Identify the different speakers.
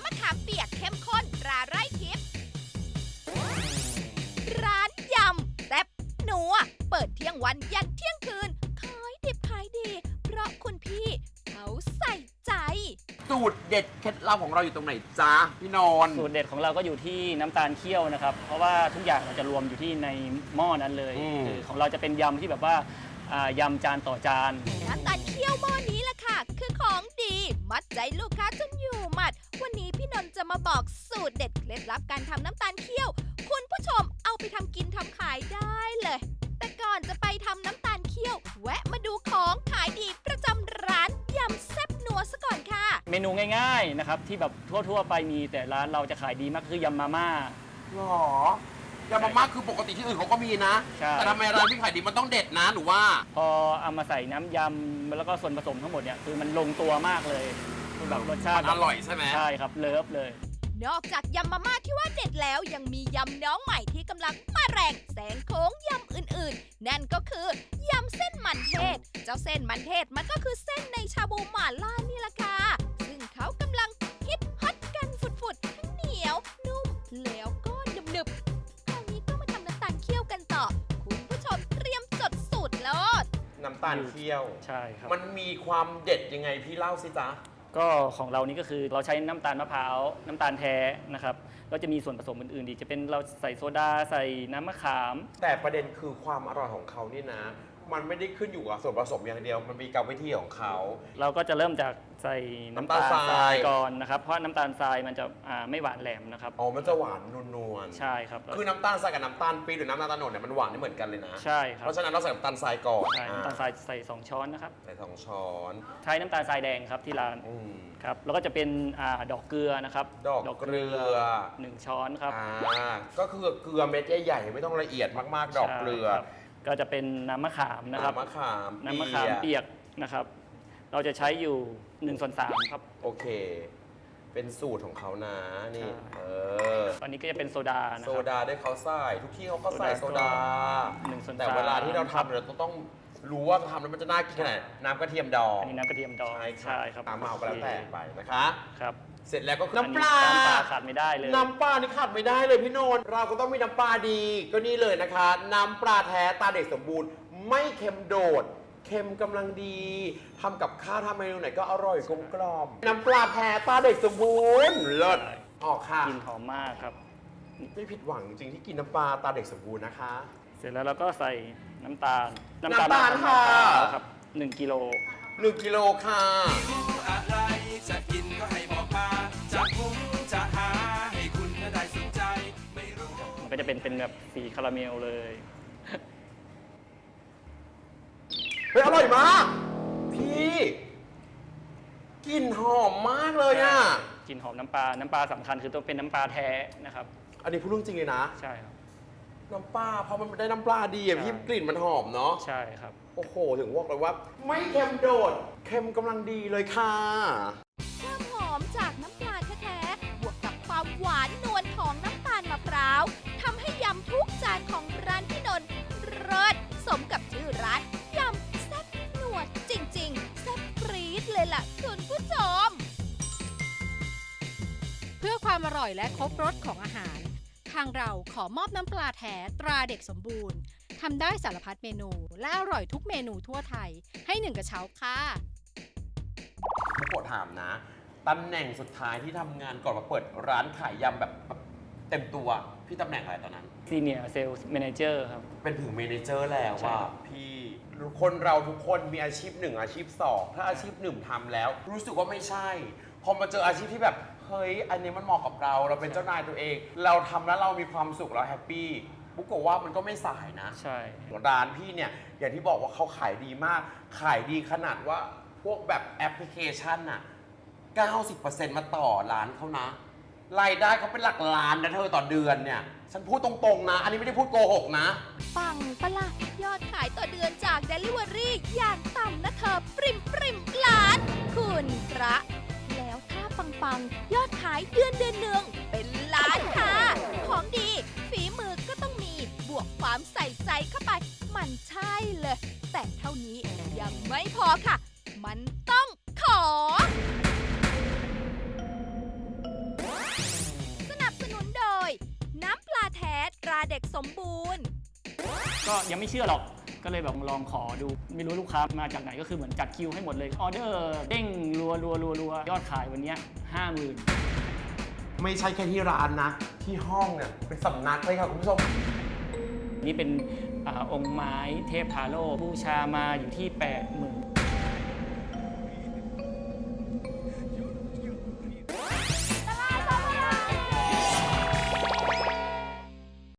Speaker 1: ำมะขามเปียกเข้มข้นตราไร่ทิพย์ร้านยำแซ่บนัวเปิดเที่ยงวันยันเที่ยงคืนขายดิบขายดี เพราะคุณพี่เขาใส่ใจ
Speaker 2: สูตรเด็ดเคล็ดลับของเราอยู่ตรงไหนจ๊ะพี่นนท์
Speaker 3: สูตรเด็ดของเราก็อยู่ที่น้ำตาลเคี่ยวนะครับ เพราะว่าทุกอย่างเราจะรวมอยู่ที่ในหม้อนั้นเลยคือของเราจะเป็นยำที่แบบว่ายำจานต่อจาน
Speaker 1: น้ำตาลเคี่ยวหม้อนี้แหละค่ะ คือของดี มัดใจลูกค้าจนอยู่หมัด วันนี้พี่นนท์จะมาบอกสูตรเด็ดเคล็ดลับการทำน้ำตาลเคี่ยว คุณผู้ชมเอาไปทำกินทำขายได้เลย แต่ก่อนจะไปทำน้ำตาลเคี่ยว แวะมาดูของขายดีประจำร้านยำแซ่บนัวซะก่อนค่ะ
Speaker 3: เมนูง่ายๆนะครับที่แบบทั่วๆไปมีแต่ร้านเราจะขายดีมากคือยำมาม่า
Speaker 2: หรอยำมาม่าคือปกติที่อื่นเขาก็มีนะ
Speaker 3: ใช่
Speaker 2: แต่ทำไมร้านพี่ขายดีมันต้องเด็ดนะหนูว่า
Speaker 3: พอเอามาใส่น้ำยำแล้วก็ส่วนผสมทั้งหมดเนี่ยคือมันลงตัวมากเลยคือแบบรสชาติ
Speaker 2: มันอร่อยใช่ไหม
Speaker 3: ใช่ครับเลิฟเลย
Speaker 1: นอกจากยำมาม่าที่ว่าเด็ดแล้วยังมียำน้องใหม่ที่กำลังมาแรงแซงโค้งยำอื่นๆ นั่นก็คือยำเส้นมันเทศ เจ้าเส้นมันเทศมันก็คือเส้นในชาบูหม่าล่านี่แหละค่ะซึ่งเขากำลังฮิตฮอตกันฝุดๆทั้งเหนียวนุ่มแล้วก็หนึบๆคราวนี้ก็มาทำน้ำตาลเคี่ยวกันต่อ คุณผู้ชมเตรียมจดสูตรโลด
Speaker 2: น้ำตาลเคี่ยว
Speaker 3: ใช่ครับ
Speaker 2: มันมีความเด็ดยังไงพี่เล่าสิจ๊ะ
Speaker 3: ก็ของเรานี่ก็คือเราใช้น้ำตาลมะพร้าวน้ำตาลแท้นะครับก็จะมีส่วนผสมอื่นๆอีกจะเป็นเราใส่โซดาใส่น้ำมะขาม
Speaker 2: แต่ประเด็นคือความอร่อยของเขานี่นะ มันไม่ได้ขึ้นอยู่กับส่วนผสมอย่างเดียว มันมีกรรมวิธีของเขา
Speaker 3: เราก็จะเริ่มจากใส่น้ำตาล
Speaker 2: น้ำตาล
Speaker 3: ท
Speaker 2: ทราร
Speaker 3: าย ยก่อนนะครับเพราะน้ำตาลทรายมันจะไม่หวานแหลมนะครับ
Speaker 2: อ๋อ มันจะหวานนวลๆ
Speaker 3: ใช่ครับ
Speaker 2: คือน้ำตาลทรายกับน้ำตาลปี๊บหรือน้ำตาลโตนดเนี่ยมันหวานไม่เหมือนกันเลยนะ
Speaker 3: ใช่ครับ
Speaker 2: เพราะฉะนั้นเราใส่น้ำตาลทรายก่อน
Speaker 3: ใช่น้ำตาลทรายใส่2ช้อนนะครับ
Speaker 2: ใส่2 ช้อน
Speaker 3: ใช้น้ำตาลทรายแดงครับที่ร้าน
Speaker 2: อืม
Speaker 3: ครับแล้วก็จะเป็นดอกเกลือนะครับ
Speaker 2: ดอกเกลือ
Speaker 3: 1 ช้อนครับ
Speaker 2: ก็คือเกลือเม็ดใหญ่ๆไม่ต้องละเอียดมากๆ ดอกเกลือ
Speaker 3: ใช่ครับก็จะเป็นน้ำมะขามนะครับ
Speaker 2: น้ำมะขาม
Speaker 3: น้ำมะขามเปียกนะครับ เราจะใช้อยู่1/3ครับ
Speaker 2: โอเค เป็นสูตรของเขานะนี่
Speaker 3: ใช่
Speaker 2: เ
Speaker 3: ตอนนี้ก็จะเป็นโซดานะ
Speaker 2: โซ
Speaker 3: ครับ
Speaker 2: ดาได้เขาใส่ทุกที่เขาก็ใส่โซดา
Speaker 3: 1/3
Speaker 2: แต่เวลาที่เราทำเราต้องรู้ว่าทำแล้วมันจะน่ากินขนาดไหนน้ำกระเทียมดอง
Speaker 3: อันนี้น้ำกระเทียมดอง
Speaker 2: ใช่ครับน้ำเมาก็แล้วแต่ไปนะคะ
Speaker 3: ครับ
Speaker 2: เสร็จแล้วก็คือ
Speaker 3: อัน
Speaker 2: น้ำ
Speaker 3: นี้
Speaker 2: ปลา
Speaker 3: น้ำปลาขาดไม่ได้เลย
Speaker 2: น้ำปลานี่ขาดไม่ได้เลยพี่โนนท์เราก็ต้องมีน้ำปลาดีก็นี่เลยนะคะ น้ำปลาแท้ตาเด็กสมบูรณ์ ไม่เค็มโดด เค็มกำลังดีทำกับข้าวทำเมนูไหนก็อร่อยกลมกล่อมน้ำปลาแท้ตาเด็กสมบูรณ์เลิศออกค่ะ
Speaker 3: กลิ่นหอมมากครับ
Speaker 2: ไม่ผิดหวังจริงๆที่กินน้ำปลาตาเด็กสมบูรณ์นะคะ
Speaker 3: เสร็จแล้วเราก็ใส่น้ำตาล
Speaker 2: น้ำตาล
Speaker 3: ม
Speaker 2: ค่ะ
Speaker 3: ครับ1 กิโล
Speaker 2: 1 กิโลค่ะ
Speaker 4: อะไรจะกินก็ให้บอกมาจะหุงจะหาให้คุณได้สนใจไม่รู้
Speaker 3: มันก็จะเป็นแบบสีคาราเมลเลย
Speaker 2: เฮ้ยอร่อยมาก พี่กลิ่นหอมมากเลยอ่ะ
Speaker 3: กลิ่นหอมน้ำปลาสำคัญคือต้องเป็นน้ำปลาแท้นะครับ
Speaker 2: อันนี้พูดเรื่องจริงเลยนะ
Speaker 3: ใช่ครับ
Speaker 2: น้ำปลาพอมันได้น้ำปลาดีอ่ะ
Speaker 3: ใช่
Speaker 2: พี่กลิ่นมันหอมเนาะ
Speaker 3: ใช่ครับ
Speaker 2: โอ้โห ถึงบอกเลยว่า ไม่เค็มโดด เค็มกำลังดีเลยค่ะ
Speaker 1: ความหอมจากน้ำปลาแท้ๆ บวกกับความหวานนวลของน้ำตาลมะพร้าวทำให้ยำทุกจานของร้านพี่นนท์เลิศสมกับชื่อร้านยำแซ่บนัวจริงๆแซ่บปรี๊ดเลยล่ะคุณผู้ชม
Speaker 5: เพื่อความอร่อยและครบรสของอาหาร ทางเราขอมอบน้ำปลาแท้ตราเด็กสมบูรณ์ทำได้สารพัดเมนู และอร่อยทุกเมนูทั่วไทย ให้1 กระเช้าค่ะ
Speaker 2: พี่โปรดถามนะ ตำแหน่งสุดท้ายที่ทำงานก่อนมาเปิดร้านขายยำแบบเต็มตัว พี่ตำแหน่งอะไรตอนนั้น
Speaker 3: Senior Sales Manager ครับ
Speaker 2: เป็นถึงเมเนเจอร์แล้ว
Speaker 3: ใช่
Speaker 2: ว่า
Speaker 3: ครับ
Speaker 2: พี่คนเราทุกคนมีอาชีพ1อาชีพ2ถ้าอาชีพ1ทำแล้ว รู้สึกว่าไม่ใช่ พอมาเจออาชีพที่แบบเฮ้ยอันนี้มันเหมาะกับเราเป็นเจ้านายตัวเอง เราทำแล้วเรามีความสุขเราแฮปปี้บุ๊กบอกว่ามันก็ไม่สายนะ
Speaker 3: ใช่
Speaker 2: ร้านพี่เนี่ยอย่างที่บอกว่าเขาขายดีมาก ขายดีขนาดว่าพวกแบบแอปพลิเคชันน่ะ 90% มาต่อร้านเขานะ รายได้เขาเป็นหลักล้านนะเธอต่อเดือนเนี่ย ฉันพูดตรงๆนะ อันนี้ไม่ได้พูดโกหกนะ
Speaker 1: ปังปะละยอดขายต่อเดือนจาก Delivery อย่างต่ำนะเธอปริมล้าน คุณพระ แล้วถ้าปังยอดขายเดือนหนึ่งเป็นล้านค่ะ ของดี ฝีมือก็ต้องมีบวกความใส่ใจเข้าไป มันใช่เลย แต่เท่านี้ยังไม่พอค่ะ มันต้องขอ
Speaker 3: ก็ยังไม่เชื่อหรอกก็เลยแบบลองขอดูไม่รู้ลูกค้ามาจากไหนก็คือเหมือนจัดคิวให้หมดเลยออเดอร์เด้งรัวยอดขายวันนี้ 50,000
Speaker 2: ไม่ใช่แค่ที่ร้านนะ ที่ห้องเนี่ยเป็นสำนักเลยค่ะคุณผู้ชม
Speaker 3: นี่เป็นองค์ไม้เทพทาโร่บูชามาอยู่ที่